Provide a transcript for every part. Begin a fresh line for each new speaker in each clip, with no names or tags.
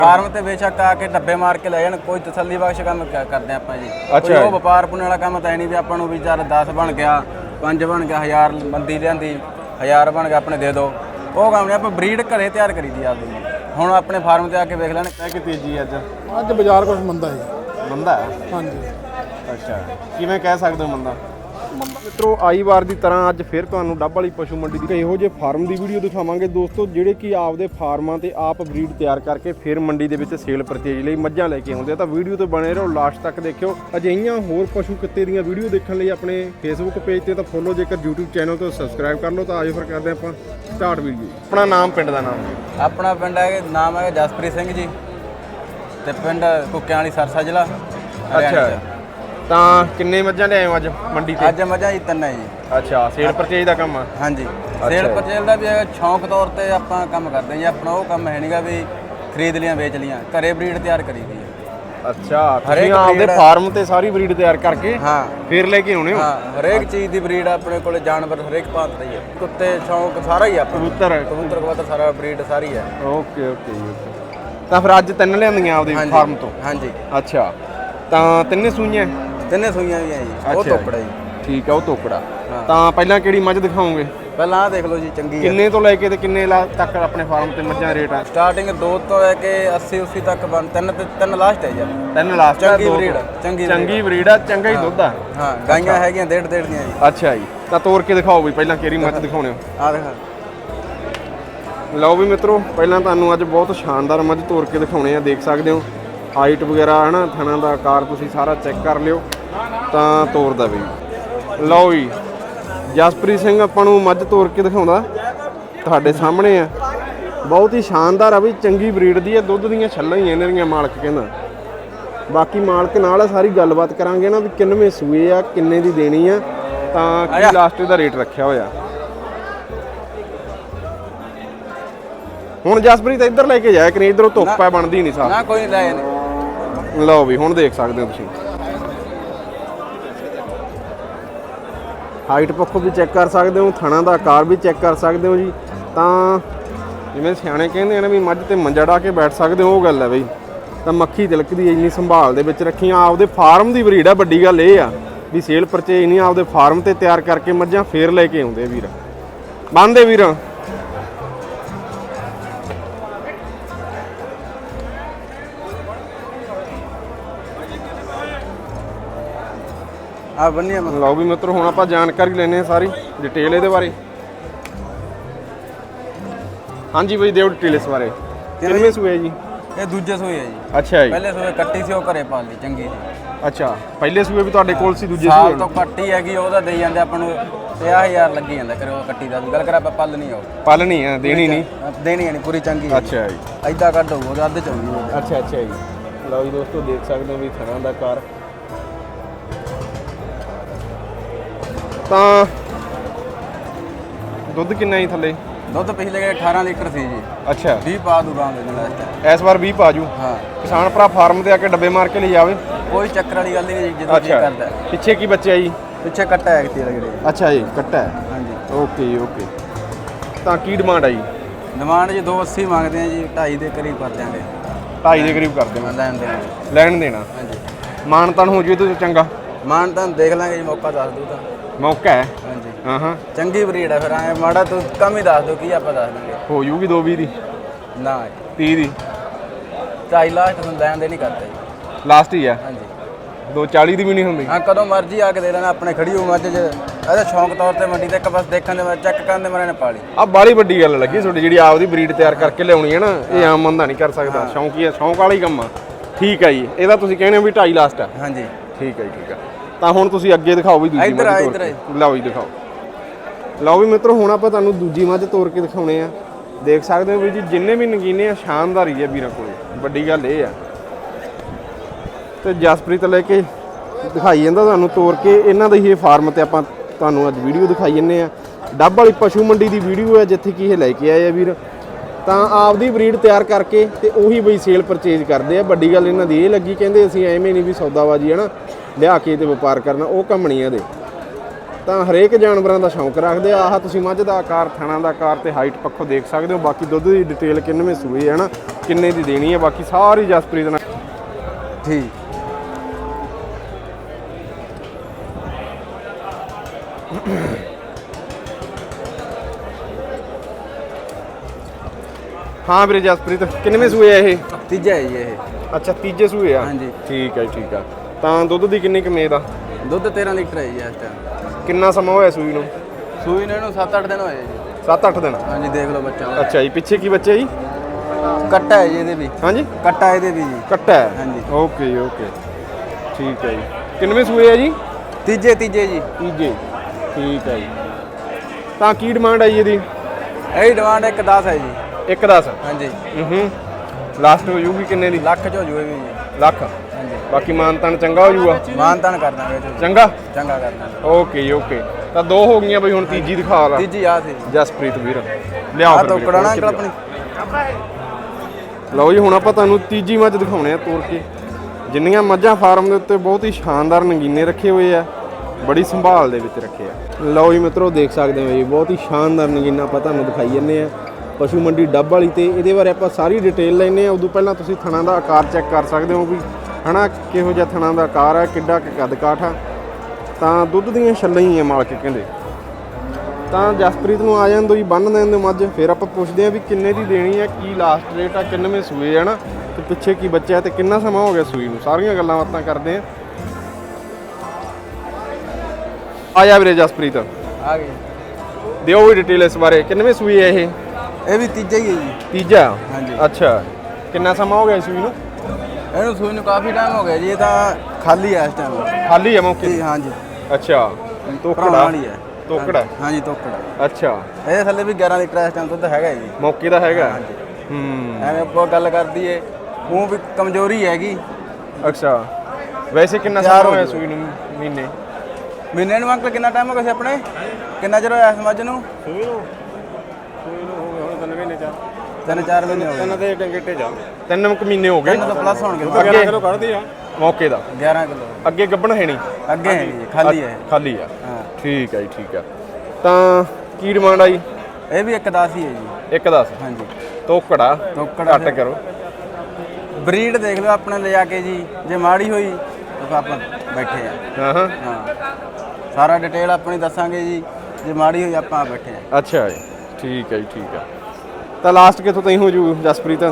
Farm ਤੇ ਬੇਸ਼ੱਕ ਆ ਕੇ ਡੱਬੇ ਮਾਰ ਕੇ ਲੈ ਜਾਣ, ਕੋਈ ਤਸੱਲੀ ਬਖਸ਼ ਕੰਮ ਕਰਦੇ ਆਪਾਂ ਜੀ।
ਅੱਛਾ
ਉਹ ਵਪਾਰ ਪੁਣੇ ਵਾਲਾ ਕੰਮ ਤਾਂ ਨਹੀਂ ਵੀ ਆਪਾਂ ਨੂੰ ਵੀ ਚੱਲ 10 ਬਣ ਗਿਆ 5 ਬਣ ਗਿਆ 1000 ਬੰਦੀ ਲਿਆਂਦੀ 1000 ਬਣ ਗਿਆ ਆਪਣੇ ਦੇ ਦਿਓ, ਉਹ ਕੰਮ ਨਹੀਂ। ਆਪਾਂ ਬਰੀਡ ਘਰੇ ਤਿਆਰ ਕਰੀ ਦੀ ਆਪਦੀ। ਹੁਣ ਆਪਣੇ ਫਾਰਮ ਤੇ ਆ ਕੇ ਵੇਖ ਲੈਣ
ਕਿ ਤੇਜ਼ੀ
ਅੱਜ ਬਾਜ਼ਾਰ ਕੁਛ ਮੰਦਾ ਹੈ।
ਮੰਦਾ ਹੈ?
ਹਾਂਜੀ।
ਅੱਛਾ, ਕਿਵੇਂ ਕਹਿ ਸਕਦੇ ਹੋ ਮੰਦਾ? ਮਿੱਤਰੋ ਆਈ ਵਾਰ ਦੀ ਤਰ੍ਹਾਂ ਅੱਜ ਫਿਰ ਤੁਹਾਨੂੰ ਡੱਬ ਵਾਲੀ ਪਸ਼ੂ ਮੰਡੀ ਦੀ ਇਹੋ ਜਿਹੇ ਫਾਰਮ ਦੀ ਵੀਡੀਓ ਦਿਖਾਵਾਂਗੇ ਦੋਸਤੋ, ਜਿਹੜੇ ਕਿ ਆਪਦੇ ਫਾਰਮਾਂ ਤੇ ਆਪ ਬਰੀਡ ਤਿਆਰ ਕਰਕੇ ਫਿਰ ਮੰਡੀ ਦੇ ਵਿੱਚ ਸੇਲ ਪਰਚੇਜ ਲਈ ਮੱਝਾਂ ਲੈ ਕੇ ਆਉਂਦੇ ਆ। ਤਾਂ ਵੀਡੀਓ ਤੇ ਬਣੇ ਰਹੋ, ਲਾਸਟ ਤੱਕ ਦੇਖਿਓ। ਅਜਿਹੀਆਂ ਹੋਰ ਪਸ਼ੂ ਕਿੱਤੇ ਦੀਆਂ ਵੀਡੀਓ ਦੇਖਣ ਲਈ ਆਪਣੇ ਫੇਸਬੁੱਕ ਪੇਜ ਤੇ ਤਾਂ ਫੋਲੋ, ਜੇਕਰ YouTube ਚੈਨਲ ਤੋਂ ਸਬਸਕ੍ਰਾਈਬ ਕਰ ਲਓ। ਤਾਂ ਆਜੋ ਫਿਰ ਕਰਦੇ ਆਪਾਂ ਸਟਾਰਟ ਵੀਡੀਓ। ਆਪਣਾ ਨਾਮ, ਪਿੰਡ ਦਾ ਨਾਮ?
ਆਪਣਾ ਪਿੰਡ ਹੈ, ਨਾਮ ਹੈ ਜਸਪ੍ਰੀਤ ਸਿੰਘ ਜੀ, ਤੇ ਪਿੰਡ ਕੁੱਕਿਆਂ ਵਾਲੀ ਸਰਸਾ ਜ਼ਿਲ੍ਹਾ।
ਅੱਛਾ, ਤਾਂ ਕਿੰਨੇ ਮੱਝਾਂ ਲਿਆਏ ਹੋ ਅੱਜ ਮੰਡੀ ਤੇ?
ਅੱਜ ਮੱਝਾਂ ਜੀ 3 ਹੈ ਜੀ।
ਅੱਛਾ, ਸੇਲ ਪਰਚੇਜ ਦਾ ਕੰਮ ਆ?
ਹਾਂਜੀ, ਸੇਲ ਪਰਚੇਜ ਦਾ ਵੀ ਹੈਗਾ, ਸ਼ੌਂਕ ਤੌਰ ਤੇ ਆਪਾਂ ਕੰਮ ਕਰਦੇ ਜੀ। ਆਪਣਾ ਉਹ ਕੰਮ ਹੈ ਨਹੀਂਗਾ ਵੀ ਖਰੀਦ ਲੀਆਂ ਵੇਚ ਲੀਆਂ, ਘਰੇ ਬਰੀਡ ਤਿਆਰ ਕਰੀ ਦੀ ਹੈ।
ਅੱਛਾ, ਤੁਸੀਂ ਆਪਦੇ ਫਾਰਮ ਤੇ ਸਾਰੀ ਬਰੀਡ ਤਿਆਰ ਕਰਕੇ
ਹਾਂ
ਫਿਰ ਲੈ ਕੇ ਆਉਣੇ ਹੋ?
ਹਾਂ, ਹਰੇਕ ਚੀਜ਼ ਦੀ ਬਰੀਡ ਆਪਣੇ ਕੋਲੇ, ਜਾਨਵਰ ਹਰੇਕ ਭਾਂਤ ਦਾ ਹੀ ਹੈ। ਕੁੱਤੇ ਸ਼ੌਂਕ ਸਾਰਾ ਹੀ ਆ,
ਕਬੂਤਰ
ਕਬੂਤਰ ਸਾਰਾ ਬਰੀਡ ਸਾਰੀ ਹੈ।
ਓਕੇ ਓਕੇ ਜੀ। ਤਾਂ ਫਿਰ ਅੱਜ 3 ਲਿਆਂਦੀਆਂ ਆਪਦੇ ਫਾਰਮ ਤੋਂ?
ਹਾਂਜੀ।
ਅੱਛਾ, ਤਾਂ ਤਿੰਨੇ ਸੂਈਆਂ?
ਤਿੰਨੇ ਸੂਈਆਂ ਵੀ ਆ ਜੀ। ਉਹ ਤੋਕੜਾ ਜੀ।
ਠੀਕ ਆ, ਉਹ ਤੋਕੜਾ। ਤਾਂ ਪਹਿਲਾਂ ਕਿਹੜੀ ਮੱਝ ਦਿਖਾਓਗੇ?
ਪਹਿਲਾਂ ਆਹ ਦੇਖ ਲਓ ਜੀ, ਚੰਗੀ ਹੈ।
ਕਿੰਨੇ ਤੋਂ ਲੈ ਕੇ ਤੇ ਕਿੰਨੇ ਤੱਕ ਆਪਣੇ ਫਾਰਮ ਤੇ ਮੱਝਾਂ ਰੇਟ ਆ?
ਸਟਾਰਟਿੰਗ 2 ਤੋਂ ਲੈ ਕੇ 80 ਤੱਕ ਬਣ, 3 ਲਾਸਟ ਹੈ ਜੀ।
3 ਲਾਸਟ?
ਚੰਗੀ ਬਰੀਡ,
ਚੰਗੀ ਬਰੀਡ ਆ, ਚੰਗਾ ਹੀ ਦੁੱਧ ਆ।
ਹਾਂ, ਗਾਈਆਂ ਹੈਗੀਆਂ 1.5 ਦੀਆਂ ਜੀ।
ਅੱਛਾ ਜੀ, ਤਾਂ ਤੋੜ ਕੇ ਦਿਖਾਓ ਵੀ ਪਹਿਲਾਂ ਕਿਹੜੀ ਮੱਝ ਦਿਖਾਉਣੇ ਹੋ।
ਆ ਦੇਖ
ਲਓ ਵੀ ਮਿੱਤਰੋ, ਪਹਿਲਾਂ ਤੁਹਾਨੂੰ ਅੱਜ ਬਹੁਤ ਸ਼ਾਨਦਾਰ ਮੱਝ ਤੋੜ ਕੇ ਦਿਖਾਉਣੇ ਆ। ਦੇਖ ਸਕਦੇ ਹੋ ਹਾਈਟ ਵਗੈਰਾ ਹੈ ਨਾ, ਥਣਾ ਦਾ ਆਕਾਰ ਤੁਸੀਂ ਸਾਰਾ ਚੈੱਕ ਕਰ ਲਿਓ। ਤਾਂ ਤੋੜਦਾ ਵੀ ਲਓ ਜੀ, ਜਸਪ੍ਰੀਤ ਸਿੰਘ ਆਪਾਂ ਨੂੰ ਮੱਝ ਤੋੜ ਕੇ ਦਿਖਾਉਂਦਾ, ਤੁਹਾਡੇ ਸਾਹਮਣੇ ਆ। ਬਹੁਤ ਹੀ ਸ਼ਾਨਦਾਰ ਆ ਵੀ, ਚੰਗੀ ਬਰੀਡ ਦੀ ਆ। ਦੁੱਧ ਦੀਆਂ ਛੱਲਾਂ ਹੀ ਇਹਨਾਂ ਦੀਆਂ, ਮਾਲਕ ਕਹਿੰਦਾ। ਬਾਕੀ ਮਾਲਕ ਨਾਲ ਸਾਰੀ ਗੱਲਬਾਤ ਕਰਾਂਗੇ ਨਾ ਵੀ ਕਿੰਨਵੇਂ ਸੂਏ ਆ, ਕਿੰਨੇ ਦੀ ਦੇਣੀ ਆ, ਤਾਂ ਕੀ ਲਾਸਟ ਦਾ ਰੇਟ ਰੱਖਿਆ ਹੋਇਆ। ਹੁਣ ਜਸਪ੍ਰੀਤ ਇੱਧਰ ਲੈ ਕੇ ਜਾਇਆ ਕਿ ਨਹੀਂ, ਇੱਧਰੋਂ ਧੁੱਪ ਬਣਦੀ ਨਹੀਂ ਸਾਹ
ਨਾ, ਕੋਈ ਲੈ ਨਹੀਂ।
ਲਓ ਵੀ ਹੁਣ ਦੇਖ ਸਕਦੇ ਹੋ ਤੁਸੀਂ, ਹਾਈਟ ਪੱਖੋਂ ਵੀ ਚੈੱਕ ਕਰ ਸਕਦੇ ਹੋ, ਥਣਾ ਦਾ ਆਕਾਰ ਵੀ ਚੈੱਕ ਕਰ ਸਕਦੇ ਹੋ ਜੀ। ਤਾਂ ਜਿਵੇਂ ਸਿਆਣੇ ਕਹਿੰਦੇ ਆ ਨਾ ਵੀ ਮੱਝ ਤੇ ਮੰਜਾ ਢਾ ਕੇ ਬੈਠ ਸਕਦੇ ਹੋ, ਉਹ ਗੱਲ ਹੈ ਬਈ। ਤਾਂ ਮੱਖੀ ਤਿਲਕਦੀ ਇੰਨੀ ਸੰਭਾਲ ਦੇ ਵਿੱਚ ਰੱਖੀਆਂ, ਆਪਦੇ ਫਾਰਮ ਦੀ ਬਰੀਡ ਆ। ਵੱਡੀ ਗੱਲ ਇਹ ਆ ਵੀ ਸੇਲ ਪਰਚੇਜ ਨਹੀਂ, ਆਪਦੇ ਫਾਰਮ ਤੇ ਤਿਆਰ ਕਰਕੇ ਮੱਝਾਂ ਫੇਰ ਲੈ ਕੇ ਆਉਂਦੇ ਵੀਰ। ਬੰਦੇ ਵੀਰ
ਆ ਬੰਨੀ ਆ।
ਲਓ ਵੀ ਮਿੱਤਰੋ, ਹੁਣ ਆਪਾਂ ਜਾਣਕਾਰੀ ਲੈਣੇ ਆ ਸਾਰੀ ਡਿਟੇਲ ਇਹਦੇ ਬਾਰੇ। ਹਾਂਜੀ ਬਈ, ਦਿਓ ਡਿਟੇਲ ਇਸ ਬਾਰੇ। ਕਿੰਨੇ ਸੂਏ ਜੀ?
ਇਹ ਦੂਜੇ ਸੂਏ ਹੈ ਜੀ।
ਅੱਛਾ ਜੀ।
ਪਹਿਲੇ ਸੂਏ ਕੱਟੀ ਸੀ, ਉਹ ਘਰੇ ਪਾਲ ਲਈ ਚੰਗੀ ਸੀ।
ਅੱਛਾ, ਪਹਿਲੇ ਸੂਏ ਵੀ ਤੁਹਾਡੇ ਕੋਲ ਸੀ? ਦੂਜੇ
ਸਾਲ
ਸੂਏ
ਤੋਂ ਕੱਟੀ ਹੈਗੀ, ਉਹਦਾ ਦੇਈ ਜਾਂਦੇ ਆਪਾਂ ਨੂੰ 50000 ਲੱਗੀ ਜਾਂਦਾ ਕਰੇ। ਉਹ ਕੱਟੀ ਦਾ ਵੀ ਗੱਲ ਕਰ, ਆਪਾਂ ਪਲ ਨਹੀਂ ਆਉ
ਪਾਲਣੀ ਆ, ਦੇਣੀ ਨਹੀਂ?
ਦੇਣੀ ਨਹੀਂ, ਪੂਰੀ ਚੰਗੀ।
ਅੱਛਾ ਜੀ,
ਐਦਾਂ ਕੱਢ ਹੋਊ, ਉਹਦੇ ਅੱਧ ਚਾਹੀਦੀ।
ਅੱਛਾ ਅੱਛਾ ਜੀ। ਲਓ ਜੀ ਦੋਸਤੋ, ਦੇਖ ਸਕਦੇ ਹੋ ਵੀ ਥਣਾ ਦਾ ਆਕਾਰ। ਤਾਂ ਦੁੱਧ ਕਿੰਨਾ ਹੀ ਥੱਲੇ?
ਦੁੱਧ ਪਿਛਲੇ 18 ਲੀਟਰ ਸੀ ਜੀ।
ਅੱਛਾ,
20 ਪਾ ਦੂਗਾ ਦੇ ਨਾਲ
ਇਸ ਵਾਰ 20 ਪਾ ਜੂ?
ਹਾਂ।
ਕਿਸਾਨ ਭਰਾ ਫਾਰਮ ਤੇ ਆ ਕੇ ਡੱਬੇ ਮਾਰ ਕੇ ਲੈ ਜਾਵੇ,
ਕੋਈ ਚੱਕਰ ਵਾਲੀ ਗੱਲ ਨਹੀਂ ਜੀ, ਜਦੋਂ ਜੀ ਕਰਦਾ।
ਪਿੱਛੇ ਕੀ ਬੱਚੇ ਆ ਜੀ?
ਪਿੱਛੇ ਕੱਟਾ ਹੈ ਕਿਤੇ ਜਿਹੜੇ।
ਅੱਛਾ ਜੀ, ਕੱਟਾ ਹੈ।
ਹਾਂਜੀ।
ਓਕੇ ਜੀ, ਓਕੇ। ਤਾਂ ਕੀ ਡਿਮਾਂਡ ਆ ਜੀ?
ਡਿਮਾਂਡ ਜੀ 280 ਮੰਗਦੇ ਆ ਜੀ, 2.5 ਦੇ ਕਰੀਬ ਕਰ ਦਿਆਂਗੇ।
2.5 ਦੇ ਕਰੀਬ ਕਰ ਦੇਵਾਂ?
ਲੈਣ ਦੇਣਾ।
ਲੈਣ ਦੇਣਾ?
ਹਾਂਜੀ।
ਮਾਨ ਤਾਨ ਹੋ ਜੂ ਤੇ ਚੰਗਾ?
ਮਾਨ ਤਾਂ ਦੇਖ ਲਾਂਗੇ ਜੀ, ਮੌਕਾ ਦੱਸ ਦੂ ਤਾਂ।
ਮੌਕਾ ਹੈ?
ਹਾਂਜੀ।
ਹਾਂ ਹਾਂ,
ਚੰਗੀ ਬਰੀਡ ਆ, ਫਿਰ ਐ ਮਾੜਾ ਤੂੰ ਕਮ ਹੀ ਦੱਸ ਦੋ, ਕੀ ਆਪਾਂ ਦੱਸ ਦਾਂਗੇ।
ਹੋ ਜੂਗੀ 220 ਦੀ?
ਨਾ
30 ਦੀ?
2.5 ਲਾਸਟ ਤੁਹਾਨੂੰ ਲੈਣ ਦੇ ਨਹੀਂ ਕਰਦਾ ਜੀ।
ਲਾਸਟ ਹੀ ਆ?
ਹਾਂਜੀ।
240 ਦੀ ਵੀ ਨਹੀਂ ਹੁੰਦੀ?
ਹਾਂ, ਕਦੋਂ ਮਰਜ਼ੀ ਆ ਕੇ ਦੇ ਲੈਣਾ, ਆਪਣੇ ਖੜੀ ਹੋ ਮੱਝ 'ਚ। ਇਹਦਾ ਸ਼ੌਂਕ ਤੌਰ ਤੇ ਮੰਡੀ ਤੇ ਇੱਕ ਬਸ ਦੇਖਣ ਦੇ, ਚੈੱਕ ਕਰਨ ਦੇ ਮਾਰੇ ਨੇ ਪਾਲੀ।
ਆ ਬਾਲੀ ਵੱਡੀ ਗੱਲ ਲੱਗੀ ਤੁਹਾਡੀ, ਜਿਹੜੀ ਆਪਦੀ ਬਰੀਡ ਤਿਆਰ ਕਰਕੇ ਲਿਆਉਣੀ ਹੈ ਨਾ, ਇਹ ਆਮ ਬੰਦਾ ਨਹੀਂ ਕਰ ਸਕਦਾ। ਸ਼ੌਂਕੀ ਹੈ, ਸ਼ੌਂਕ ਵਾਲਾ ਹੀ ਕੰਮ ਆ। ਠੀਕ ਹੈ ਜੀ, ਇਹਦਾ ਤੁਸੀਂ ਕਹਿੰਦੇ ਹੋ ਵੀ 2.5 ਲਾਸਟ ਆ?
ਹਾਂਜੀ।
ਠੀਕ ਹੈ ਜੀ, ਠੀਕ ਆ। ਤਾਂ ਹੁਣ ਤੁਸੀਂ ਅੱਗੇ ਦਿਖਾਓ ਵੀ ਦੂਜੀ ਮੱਝ ਤੋੜ ਕੇ। ਲਓ ਜੀ ਦਿਖਾਓ। ਲਓ ਵੀ ਮਿੱਤਰੋ, ਹੁਣ ਆਪਾਂ ਤੁਹਾਨੂੰ ਦੂਜੀ ਮੱਝ ਤੋੜ ਕੇ ਦਿਖਾਉਣੇ ਆ। ਦੇਖ ਸਕਦੇ ਹੋ ਵੀ ਜੀ, ਜਿੰਨੇ ਵੀ ਨਗੀਨੇ ਆ ਸ਼ਾਨਦਾਰ ਹੀ ਆ ਵੀਰਾਂ ਕੋਲੇ। ਵੱਡੀ ਗੱਲ ਇਹ ਆ, ਤੇ ਜਸਪ੍ਰੀਤ ਲੈ ਕੇ ਦਿਖਾਈ ਜਾਂਦਾ ਤੁਹਾਨੂੰ ਤੋੜ ਕੇ। ਇਹਨਾਂ ਦਾ ਹੀ ਇਹ ਫਾਰਮ ਤੇ ਆਪਾਂ ਤੁਹਾਨੂੰ ਅੱਜ ਵੀਡੀਓ ਦਿਖਾਈ ਜੰਨੇ ਆ। ਡੱਬ ਵਾਲੀ ਪਸ਼ੂ ਮੰਡੀ ਦੀ ਵੀਡੀਓ ਹੈ, ਜਿੱਥੇ ਕਿ ਇਹ ਲੈ ਕੇ ਆਏ ਆ ਵੀਰ। ਤਾਂ ਆਪਦੀ ਬਰੀਡ ਤਿਆਰ ਕਰਕੇ ਤੇ ਉਹੀ ਬਈ ਸੇਲ ਪਰਚੇਜ ਕਰਦੇ ਆ। ਵੱਡੀ ਗੱਲ ਇਹਨਾਂ ਦੀ ਇਹ ਲੱਗੀ, ਕਹਿੰਦੇ ਅਸੀਂ ਐਵੇਂ ਨਹੀਂ ਵੀ ਸੌਦਾਬਾਜੀ ਹੈ ਨਾ ਲਿਆ ਕੇ ਤੇ ਵਪਾਰ ਕਰਨਾ, ਉਹ ਕੰਮ ਨਹੀਂ ਇਹਦੇ। ਤਾਂ ਹਰੇਕ ਜਾਨਵਰਾਂ ਦਾ ਸ਼ੌਂਕ ਰੱਖਦੇ ਆ। ਆਹ ਤੁਸੀਂ ਮੱਝ ਦਾ ਆਕਾਰ, ਥਣਾ ਦਾ ਆਕਾਰ ਤੇ ਹਾਈਟ ਪੱਖੋਂ ਦੇਖ ਸਕਦੇ ਹੋ। ਬਾਕੀ ਦੁੱਧ ਦੀ ਡਿਟੇਲ ਕਿੰਨਵੇਂ ਸੂਏ ਹੈ ਨਾ, ਕਿੰਨੇ ਦੀ ਦੇਣੀ ਹੈ, ਬਾਕੀ ਸਾਰੀ ਜਸਪ੍ਰੀਤ ਨਾਲ
ਠੀਕ।
ਹਾਂ ਵੀਰੇ ਜਸਪ੍ਰੀਤ, ਕਿੰਨਵੇਂ ਸੂਏ ਆ ਇਹ?
ਤੀਜਾ ਹੈ ਜੀ ਇਹ।
ਅੱਛਾ ਤੀਜੇ ਸੂਏ ਆ।
ਹਾਂਜੀ।
ਠੀਕ ਹੈ ਠੀਕ ਆ। ਤਾਂ ਦੁੱਧ ਦੀ ਕਿੰਨੀ ਕਮੇਦ ਆ?
ਦੁੱਧ 13 ਲੀਟਰ ਹੈ ਜੀ ਇਸ ਟਾਈਮ।
ਕਿੰਨਾ ਸਮਾਂ ਹੋਇਆ ਸੂਈ ਨੂੰ?
ਸੂਈ ਨੇ ਇਹਨੂੰ 7-8 ਦਿਨ ਹੋਏ ਜੀ।
7-8 ਦਿਨ।
ਹਾਂਜੀ ਦੇਖ ਲਓ ਬੱਚਾ।
ਅੱਛਾ ਜੀ, ਪਿੱਛੇ ਕੀ ਬੱਚੇ ਜੀ?
ਕੱਟਾ ਹੈ ਜੀ ਇਹਦੇ ਵੀ।
ਹਾਂਜੀ
ਕੱਟਾ ਇਹਦੇ ਵੀ ਜੀ।
ਕੱਟਾ ਹੈ।
ਹਾਂਜੀ।
ਓਕੇ ਜੀ ਓਕੇ, ਠੀਕ ਹੈ ਜੀ। ਕਿੰਨਵੇਂ ਸੂਏ ਆ ਜੀ?
ਤੀਜੇ ਜੀ।
ਤੀਜੇ। ਠੀਕ ਹੈ ਜੀ। ਤਾਂ ਕੀ ਡਿਮਾਂਡ ਆਈ ਇਹਦੀ?
ਇਹਦੀ ਡਿਮਾਂਡ 1.10 ਹੈ ਜੀ।
1.10।
ਹਾਂਜੀ।
ਲਾਸਟ ਹੋ ਜੂਗੀ ਕਿੰਨੇ ਦੀ?
ਲੱਖ ਚ ਹੋ ਜੂਏ ਵੀ ਜੀ।
ਲੱਖ।
ਹਾਂਜੀ।
ਬਾਕੀ ਮਾਨਤਾਨ ਚੰਗਾ ਹੋ ਜੂਗਾ?
ਮਾਨਤਾਨ ਕਰ ਦਾਂਗੇ ਇਹਦੇ ਚ।
ਚੰਗਾ
ਚੰਗਾ ਕਰ ਦਾਂਗੇ।
ਓਕੇ ਜੀ ਓਕੇ। ਤਾਂ ਦੋ ਹੋ ਗਈਆਂ ਬਈ, ਹੁਣ ਤੀਜੀ ਦਿਖਾ ਲਾ।
ਤੀਜੀ ਆ ਸੀ
ਜਸਪ੍ਰੀਤ ਵੀਰ ਲਿਆਓ
ਆ
ਫਿਰ ਵੀਰੇ,
ਟੋਕੜਾ ਨਾ
ਖੋਲ ਕੇ
ਅੰਕਲ
ਦਿਖਾਓ।
ਆਪਣੀ।
ਲਓ ਜੀ, ਹੁਣ ਆਪਾਂ ਤੁਹਾਨੂੰ ਤੀਜੀ ਮੱਝ ਦਿਖਾਉਣੇ ਆ ਤੋਰ ਕੇ। ਜਿੰਨੀਆਂ ਮੱਝਾਂ ਫਾਰਮ ਦੇ ਉੱਤੇ ਬਹੁਤ ਹੀ ਸ਼ਾਨਦਾਰ ਨਗੀਨੇ ਰੱਖੇ ਹੋਏ ਆ, ਬੜੀ ਸੰਭਾਲ ਦੇ ਵਿੱਚ ਰੱਖੇ ਆ। ਲਓ ਜੀ ਮਿੱਤਰੋ, ਦੇਖ ਸਕਦੇ ਹੋ ਜੀ, ਬਹੁਤ ਹੀ ਸ਼ਾਨਦਾਰ ਨਗੀਨਾ ਆਪਾਂ ਤੁਹਾਨੂੰ ਦਿਖਾਈ ਜੰਨੇ ਆ ਪਸ਼ੂ ਮੰਡੀ ਡੱਬ ਵਾਲੀ ਤੇ। ਇਹਦੇ ਬਾਰੇ ਆਪਾਂ ਸਾਰੀ ਡਿਟੇਲ ਲੈਣੇ ਆ। ਉਦੋਂ ਪਹਿਲਾਂ ਤੁਸੀਂ ਥਣਾ ਦਾ ਆਕਾਰ ਚੈੱਕ ਕਰ ਸਕਦੇ ਹੋ ਵੀ ਹਨਾ ਕਿਹੋ ਜਿਹਾ ਥਣਾ ਦਾ ਆਕਾਰ ਆ, ਕਿੱਡਾ ਕੁ ਕੱਦ ਕਾਠ ਆ। ਤਾਂ ਦੁੱਧ ਦੀਆਂ ਛੱਲਾਂ ਹੀ ਆ ਮਾਲਕ ਕਹਿੰਦੇ। ਤਾਂ ਜਸਪ੍ਰੀਤ ਨੂੰ ਆ ਜਾਣ ਦੋ ਜੀ, ਬੰਨ ਦੇਣ ਦਿਓ ਮੱਝ, ਫਿਰ ਆਪਾਂ ਪੁੱਛਦੇ ਆ ਵੀ ਕਿੰਨੇ ਦੀ ਦੇਣੀ ਆ, ਕੀ ਲਾਸਟ ਰੇਟ ਆ, ਕਿੰਨਵੇਂ ਸੂਏ ਆ ਨਾ, ਤੇ ਪਿੱਛੇ ਕੀ ਬੱਚਾ ਤੇ ਕਿੰਨਾ ਸਮਾਂ ਹੋ ਗਿਆ ਸੂਈ ਨੂੰ। ਸਾਰੀਆਂ ਗੱਲਾਂ ਬਾਤਾਂ ਕਰਦੇ ਆ ਜਾ ਵੀਰੇ ਜਸਪ੍ਰੀਤ,
ਆ ਗਈ।
ਦਿਓ ਵੀ ਡਿਟੇਲ ਇਸ ਬਾਰੇ। ਕਿੰਨਵੇਂ ਸੂਈ ਆ ਇਹ?
ਇਹ ਵੀ ਤੀਜਾ ਹੀ ਹੈ ਜੀ।
ਤੀਜਾ।
ਹਾਂਜੀ।
ਅੱਛਾ, ਕਿੰਨਾ ਸਮਾਂ ਹੋ ਗਿਆ ਸੂਈ ਨੂੰ?
ਇਹਨੂੰ ਸੂਈ ਨੂੰ ਕਾਫੀ ਟਾਈਮ ਹੋ ਗਿਆ ਜੀ। ਇਹ ਤਾਂ ਖਾਲੀ ਹੈ ਇਸ ਟਾਈਮ।
ਖਾਲੀ ਆ ਮੌਕੇ ਤੇ?
ਹਾਂਜੀ।
ਅੱਛਾ, ਤੋਕੜਾ
ਵਾਲੀ ਹੈ।
ਤੋਕੜਾ।
ਹਾਂਜੀ ਤੋਕੜਾ।
ਅੱਛਾ,
ਇਹਦੇ ਥੱਲੇ ਵੀ 11 ਲੀਟਰ ਇਸ ਟਾਈਮ ਦੁੱਧ ਹੈਗਾ ਜੀ।
ਮੌਕੇ ਦਾ ਹੈਗਾ।
ਹਾਂਜੀ। ਐਵੇਂ ਆਪਾਂ ਗੱਲ ਕਰਦੀ ਏ, ਉਹ ਵੀ ਕਮਜ਼ੋਰੀ ਹੈਗੀ।
ਅੱਛਾ, ਵੈਸੇ ਕਿੰਨਾ
ਤਿਆਰ
ਸਮਾਂ
ਹੋ
ਹੋਇਆ
ਜੂਗਾ।
ਸੂਈ ਨੂੰ? ਮਹੀਨੇ
ਮਹੀਨੇ ਨੂੰ ਅੰਕਲ ਕਿੰਨਾ ਟਾਈਮ ਹੋ ਗਿਆ ਸੀ ਆਪਣੇ? ਕਿੰਨਾ ਚਿਰ ਹੋਇਆ ਇਸ ਮੱਝ ਨੂੰ?
ਸੂਈ ਨੂੰ ਹੋ ਗਏ ਹੁਣ 3 ਮਹੀਨੇ ਚ।
3-4 ਮਹੀਨੇ ਹੋ ਗਏ।
ਤੇ ਡੰਗੇਟੇ ਜਾ 3 ਮਹੀਨੇ ਹੋ ਗਏ।
3 ਤੋਂ ਪਲੱਸ ਹੋਣਗੇ।
11 ਕਿਲੋ ਕੱਢਦੀ ਆ ਮੌਕੇ ਦਾ।
11 ਕਿਲੋ
ਅੱਗੇ ਗੱਬਣ ਹੈ ਨਹੀਂ?
ਅੱਗੇ ਹੈ ਜੀ, ਖਾਲੀ ਹੈ।
ਖਾਲੀ ਆ।
ਹਾਂ।
ਠੀਕ ਹੈ ਜੀ ਠੀਕ ਆ। ਤਾਂ ਕੀ ਡਿਮਾਂਡ ਆਈ?
ਇਹ ਵੀ 1.10 ਹੀ ਹੈ ਜੀ।
1.10।
ਹਾਂਜੀ।
ਤੋਕੜਾ
ਤੋਕੜਾ
ਘੱਟ ਕਰੋ।
ਬਰੀਡ ਦੇਖ ਲਓ ਆਪਣੇ ਲਿਜਾ ਕੇ ਜੀ, ਜੇ ਮਾੜੀ ਹੋਈ ਤਾਂ ਆਪਾਂ ਬੈਠੇ ਆ।
ਹਾਂ ਹਾਂ।
ਹਾਂ, ਸਾਰਾ ਡਿਟੇਲ ਆਪਣੀ ਦੱਸਾਂਗੇ ਜੀ, ਜੇ ਮਾੜੀ ਹੋਈ ਆਪਾਂ ਬੈਠੇ ਆ।
ਅੱਛਾ ਜੀ, ਠੀਕ ਹੈ ਜੀ ਠੀਕ ਆ। ਤਾਂ ਲਾਸਟ ਕਿੱਥੋਂ ਤਾਈਂ ਹੋ ਜੂ ਜਸਪ੍ਰੀਤ?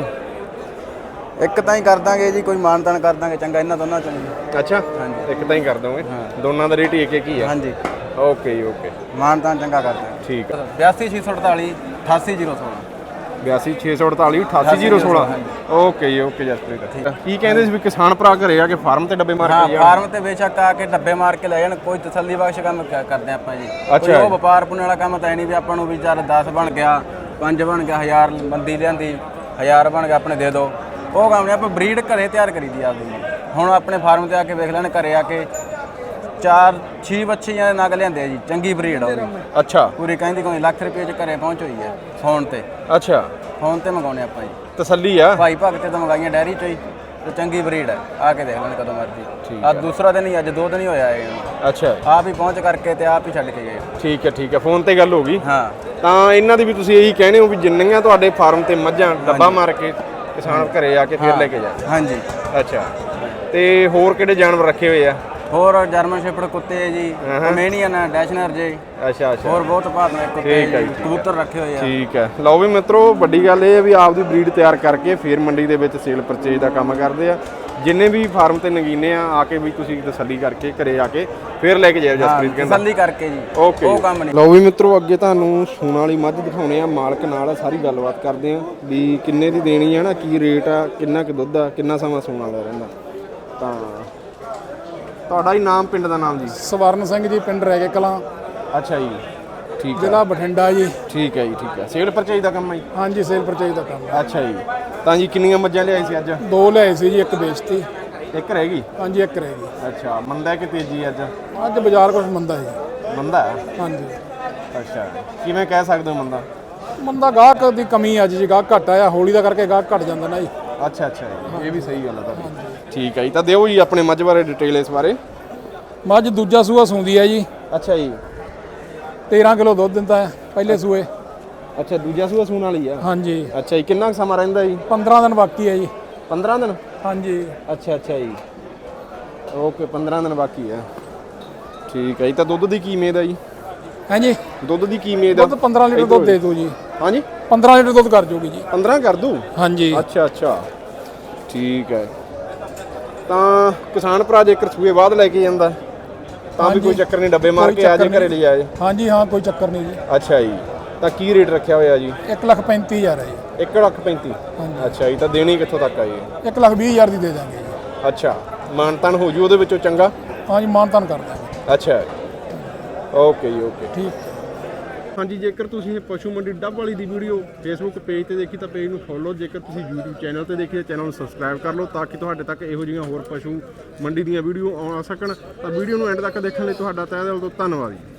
ਇੱਕ ਤਾਂ ਹੀ ਕਰ ਦਾਂਗੇ ਜੀ, ਕੋਈ ਮਾਨਤਾਨ ਕਰ ਦਾਂਗੇ ਚੰਗਾ ਇਹਨਾਂ ਦੋਨਾਂ ਚੋਂ ਜੀ।
ਅੱਛਾ,
ਹਾਂਜੀ।
ਇੱਕ ਤਾਂ ਹੀ ਕਰ ਦੋਗੇ?
ਹਾਂ।
ਦੋਨਾਂ ਦਾ ਰੇਟ ਇੱਕ ਹੀ ਆ?
ਹਾਂਜੀ।
ਓਕੇ ਜੀ ਓਕੇ,
ਮਾਨਤਾਨ ਚੰਗਾ ਕਰ ਦਾਂਗੇ।
ਠੀਕ ਆ।
82 648 88016।
82 648 88016। ਓਕੇ ਜੀ ਓਕੇ ਜਸਪ੍ਰੀਤ। ਕੀ ਕਹਿੰਦੇ ਸੀ ਵੀ ਕਿਸਾਨ ਭਰਾ ਘਰੇ ਆ ਕੇ ਫਾਰਮ ਤੇ ਡੱਬੇ ਮਾਰ
ਹਾਂ,
ਕੇ ਜਾਣ?
ਫਾਰਮ ਤੇ ਬੇਸ਼ੱਕ ਆ ਕੇ ਡੱਬੇ ਮਾਰ ਕੇ ਲੈ ਜਾਣ, ਕੋਈ ਤਸੱਲੀ ਬਖਸ਼ ਕੰਮ ਕਰਦੇ ਆਪਾਂ ਜੀ।
ਅੱਛਾ।
ਕੋਈ ਉਹ ਵਪਾਰ ਪੁਣੇ ਵਾਲਾ ਕੰਮ ਤਾਂ ਨਹੀਂ ਵੀ ਆਪਾਂ ਨੂੰ ਵੀ ਚੱਲ 10 ਬਣ ਗਿਆ, 5 ਬਣ ਗਿਆ, 1000 ਬੰਦੀ ਲਿਆਂਦੀ, 1000 ਬਣ ਗਿਆ ਆਪਣੇ ਦੇ ਦਿਓ, ਉਹ ਕੰਮ ਨਹੀਂ। ਆਪਾਂ ਬਰੀਡ ਘਰੇ ਤਿਆਰ ਕਰੀਦੀ ਆਪਦੀ। ਹੁਣ ਆਪਣੇ ਫਾਰਮ ਤੇ ਆ ਕੇ ਵੇਖ ਲੈਣ, ਘਰੇ ਆ ਕੇ 4-6 ਬੱਚੀਆਂ ਨਗ ਲਿਆਂਦੇ ਆ ਜੀ, ਚੰਗੀ ਬਰੀਡ ਹੋਵੇ।
ਅੱਛਾ।
ਪੂਰੀ ਕਹਿੰਦੀ ਕੋਈ ਲੱਖ ਰੁਪਏ ਚ ਘਰੇ ਪਹੁੰਚ ਹੋਈ ਹੈ ਫੋਨ ਤੇ।
ਅੱਛਾ,
ਫੋਨ ਤੇ ਮੰਗਾਉਣੇ ਆਪਾਂ ਜੀ।
ਤਸੱਲੀ ਆ?
ਭਾਈ ਭਗਤ ਤੇ ਤਾਂ ਮੰਗਾਈਆਂ ਡੈਰੀ ਚੋਂ ਹੀ, ਤੇ ਚੰਗੀ ਬਰੀਡ ਹੈ। ਆ ਕੇ ਦੇਖ ਲੈਣ ਕਦੋਂ ਮਰਜ਼ੀ। ਆ ਦੂਸਰਾ ਦਿਨ ਹੀ, ਅੱਜ 2 ਦਿਨ ਹੀ ਹੋਇਆ ਇਹ।
ਅੱਛਾ,
ਆਪ ਹੀ ਪਹੁੰਚ ਕਰਕੇ ਤੇ ਆਪ ਹੀ ਛੱਡ ਕੇ ਗਏ।
ਠੀਕ ਹੈ ਠੀਕ ਹੈ, ਫੋਨ ਤੇ ਗੱਲ ਹੋ ਗਈ।
ਹਾਂ।
ਤਾਂ ਇਹਨਾਂ ਦੀ ਵੀ ਤੁਸੀਂ ਇਹੀ ਕਹਿੰਦੇ ਹੋ ਵੀ ਜਿੰਨੀਆਂ ਤੁਹਾਡੇ ਫਾਰਮ ਤੇ ਮੱਝਾਂ ਡੱਬਾ ਮਾਰ ਕੇ ਕਿਸਾਨ ਘਰੇ ਆ ਕੇ ਫਿਰ ਲੈ ਕੇ ਜਾਂਦੇ?
ਹਾਂਜੀ।
ਅੱਛਾ, ਤੇ ਹੋਰ ਕਿਹੜੇ ਜਾਨਵਰ ਰੱਖੇ ਹੋਏ ਆ?
ਹੋਰ ਜਰਮਨ ਸ਼ੇਪਰਡ ਕੁੱਤੇ ਹੈ ਜੀ, ਕਮੇਨੀਅਨ ਹੈ, ਡੈਸ਼ਨਰ ਜੀ,
ਅੱਛਾ ਅੱਛਾ,
ਹੋਰ ਬਹੁਤ ਭਾਵੇਂ ਕੁੱਤੇ
ਠੀਕ ਹੈ
ਜੀ,
ਜੀ, ਠੀਕ
ਕਬੂਤਰ ਰੱਖੇ ਹੋਏ ਆ।
ਠੀਕ ਹੈ। ਲਓ ਵੀ ਮਿੱਤਰੋ, ਵੱਡੀ ਗੱਲ ਇਹ ਹੈ ਵੀ ਆਪਦੀ ਬਰੀਡ ਤਿਆਰ ਕਰਕੇ ਫਿਰ ਮੰਡੀ ਦੇ ਵਿੱਚ ਸੇਲ ਪਰਚੇਜ ਦਾ ਕੰਮ ਕਰਦੇ ਆ। ਜਿੰਨੇ ਵੀ ਫਾਰਮ ਤੇ ਨਗੀਨੇ ਆ ਕੇ ਵੀ ਤੁਸੀਂ ਤਸੱਲੀ ਕਰਕੇ ਘਰੇ ਆ ਕੇ ਫਿਰ ਲੈ ਕੇ ਜਾਓ ਜਸਪ੍ਰੀਤ ਕਹਿੰਦਾ।
ਤਸੱਲੀ ਕਰਕੇ ਜੀ,
ਓਕੇ।
ਉਹ ਕੰਮ ਨਹੀਂ।
ਲਓ ਵੀ ਮਿੱਤਰੋ, ਅੱਗੇ ਤੁਹਾਨੂੰ ਸੂਣ ਵਾਲੀ ਮੱਝ ਦਿਖਾਉਣੇ ਆ, ਮਾਲਕ ਨਾਲ ਸਾਰੀ ਗੱਲਬਾਤ ਕਰਦੇ ਆ ਵੀ ਕਿੰਨੇ ਦੀ ਦੇਣੀ ਆ ਨਾ, ਕੀ ਰੇਟ ਆ, ਕਿੰਨਾ ਕੁ ਦੁੱਧ ਆ, ਕਿੰਨਾ ਸਮਾਂ ਸੂਣ ਵਾਲਾ ਰਹਿੰਦਾ। ਤਾਂ ਤੁਹਾਡਾ ਹੀ ਨਾਮ, ਪਿੰਡ ਦਾ ਨਾਮ ਜੀ?
ਸਵਰਨ ਸਿੰਘ ਜੀ, ਪਿੰਡ ਰਹਿ ਕੇ ਕਲਾਂ,
ਅੱਛਾ ਜੀ, ਠੀਕ ਹੈ।
ਜ਼ਿਲ੍ਹਾ ਬਠਿੰਡਾ ਜੀ।
ਠੀਕ ਹੈ ਜੀ ਠੀਕ ਹੈ। ਸੇਲ ਪਰਚੇਜ ਦਾ ਕੰਮ ਹੈ ਜੀ?
ਹਾਂਜੀ, ਸੇਲ ਪਰਚੇਜ ਦਾ ਕੰਮ ਹੈ।
ਅੱਛਾ ਜੀ। ਤਾਂ ਜੀ ਕਿੰਨੀਆਂ ਮੱਝਾਂ ਲਿਆਈ ਸੀ ਅੱਜ?
2 ਲਿਆਏ ਸੀ ਜੀ, 1 ਵੇਚਤੀ।
ਇੱਕ ਰਹਿ ਗਈ?
ਹਾਂਜੀ, 1 ਰਹਿ ਗਈ।
ਅੱਛਾ, ਮੰਦਾ ਕਿ ਤੇਜ਼ੀ ਅੱਜ?
ਅੱਜ ਬਾਜ਼ਾਰ ਕੁਛ ਮੰਦਾ ਜੀ।
ਮੰਦਾ?
ਹਾਂਜੀ।
ਅੱਛਾ, ਕਿਵੇਂ ਕਹਿ ਸਕਦੇ ਹੋ ਮੰਦਾ?
ਮੰਦਾ ਗਾਹਕ ਦੀ ਕਮੀ ਅੱਜ ਜੀ, ਗਾਹਕ ਘੱਟ ਆਇਆ, ਹੋਲੀ ਦਾ ਕਰਕੇ ਗਾਹਕ ਘੱਟ ਜਾਂਦਾ ਨਾ ਜੀ।
ਅੱਛਾ ਅੱਛਾ ਜੀ, ਇਹ ਵੀ ਸਹੀ ਗੱਲ ਹੈ ਤੁਹਾਡੀ। ਠੀਕ ਹੈ ਜੀ। ਤਾਂ ਦਿਓ ਜੀ ਆਪਣੇ ਮੱਝ ਬਾਰੇ ਡਿਟੇਲ ਇਸ ਬਾਰੇ।
ਮੱਝ ਦੂਜਾ ਸੂਆ ਸੂੰਦੀ ਹੈ ਜੀ।
ਅੱਛਾ ਜੀ।
13 ਕਿਲੋ ਦੁੱਧ ਦਿੰਦਾ ਹੈ ਪਹਿਲੇ ਸੂਏ।
ਅੱਛਾ ਦੂਜਾ ਸੂਆ ਸੂਣ ਵਾਲੀ ਆ।
ਹਾਂਜੀ।
ਅੱਛਾ ਜੀ ਕਿੰਨਾ ਕੁ ਸਮਾਂ ਰਹਿੰਦਾ ਜੀ?
15 ਦਿਨ ਬਾਕੀ ਹੈ ਜੀ।
15 ਦਿਨ?
ਹਾਂਜੀ।
ਅੱਛਾ ਜੀ ਓਕੇ 15 ਦਿਨ ਬਾਕੀ ਆ। ਠੀਕ ਹੈ ਜੀ। ਤਾਂ ਦੁੱਧ ਦੀ ਕੀ ਉਮੀਦ ਆ ਜੀ?
ਹਾਂਜੀ
ਦੁੱਧ ਦੀ ਕੀ ਉਮੀਦ ਆ?
ਦੁੱਧ 15 ਲੀਟਰ ਦੁੱਧ ਦੇ ਦਿਓ ਜੀ।
ਹਾਂਜੀ
15 ਲੀਟਰ ਦੁੱਧ ਕਰ ਜੂਗੀ ਜੀ।
15 ਕਰ ਦੂ?
ਹਾਂਜੀ।
ਅੱਛਾ ਠੀਕ ਹੈ। ਤਾਂ ਕਿਸਾਨ ਭਰਾ ਜੇਕਰ ਸੂਏ ਬਾਅਦ ਲੈ ਕੇ ਜਾਂਦਾ ਤਾਂ ਵੀ ਕੋਈ ਚੱਕਰ ਨਹੀਂ, ਡੱਬੇ ਮਾਰ ਕੇ ਆ ਜੇ ਘਰੇ ਲਈ ਆਏ।
ਹਾਂਜੀ ਹਾਂ ਕੋਈ ਚੱਕਰ ਨਹੀਂ ਜੀ।
ਅੱਛਾ ਜੀ। ਤਾਂ ਕੀ ਰੇਟ ਰੱਖਿਆ ਹੋਇਆ ਜੀ?
1,35,000 ਹੈ ਜੀ।
1,35,000?
ਹਾਂਜੀ।
ਅੱਛਾ ਜੀ। ਤਾਂ ਦੇਣੀ ਕਿੱਥੋਂ ਤੱਕ ਆ ਜੀ?
1,20,000 ਦੀ ਦੇ ਦਾਂਗੇ ਜੀ।
ਅੱਛਾ ਮਾਨਤਾਨ ਹੋ ਜੂ ਉਹਦੇ ਵਿੱਚੋਂ ਚੰਗਾ?
ਹਾਂਜੀ ਮਾਨਤਾਨ ਕਰ ਦਾਂਗੇ।
ਅੱਛਾ ਓਕੇ ਜੀ ਓਕੇ।
ਠੀਕ।
ਹਾਂਜੀ ਜੇਕਰ ਤੁਸੀਂ ਇਹ ਪਸ਼ੂ ਮੰਡੀ ਡੱਬ ਵਾਲੀ ਦੀ ਵੀਡੀਓ ਫੇਸਬੁੱਕ ਪੇਜ ਤੇ ਦੇਖੀ ਤਾਂ ਪੇਜ ਨੂੰ ਫੋਲੋ, ਜੇਕਰ ਤੁਸੀਂ YouTube ਚੈਨਲ ਤੇ ਦੇਖੀ ਤਾਂ ਚੈਨਲ ਨੂੰ ਸਬਸਕ੍ਰਾਈਬ ਕਰ ਲਓ ਤਾਂ ਕਿ ਤੁਹਾਡੇ ਤੱਕ ਇਹੋ ਜਿਹੀਆਂ ਹੋਰ ਪਸ਼ੂ ਮੰਡੀ ਦੀਆਂ ਵੀਡੀਓ ਆ ਸਕਣ। ਤਾਂ ਵੀਡੀਓ ਨੂੰ ਐਂਡ ਤੱਕ ਦੇਖਣ ਲਈ ਤੁਹਾਡਾ ਤਹਿ ਦਿਲ ਤੋਂ ਧੰਨਵਾਦ ਜੀ।